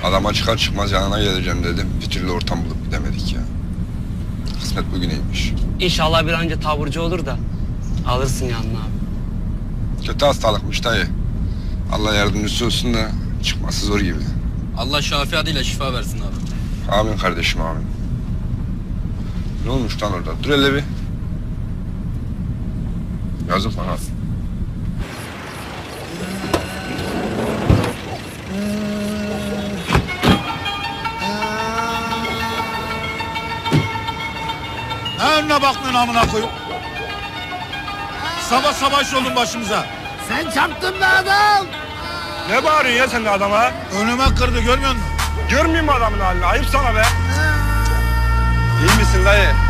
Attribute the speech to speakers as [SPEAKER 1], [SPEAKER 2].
[SPEAKER 1] Adama çıkar çıkmaz yanına geleceğim dedim. Bir türlü ortam bulup gidemedik ya. Kısmet bugüneymiş.
[SPEAKER 2] İnşallah bir an önce taburcu olur da alırsın yanına abi.
[SPEAKER 1] Kötü hastalıkmış dayı. Allah yardımcısı olsun da çıkması zor gibi.
[SPEAKER 3] Allah şafi adıyla şifa versin abi.
[SPEAKER 1] Amin kardeşim amin. Ne olmuş lan orada? Dur hele bir. Yazık bana.
[SPEAKER 4] Ne önüne bakmıyorsun amına koyup? Sabah sabah iş oldun başımıza.
[SPEAKER 5] Sen çarptın be adam.
[SPEAKER 1] Ne bağırıyorsun ya sen de adama?
[SPEAKER 4] Önüme kırdı görmüyor musun?
[SPEAKER 1] Görmeyeyim mi adamın halini? Ayıp sana be. İyi misin dayı?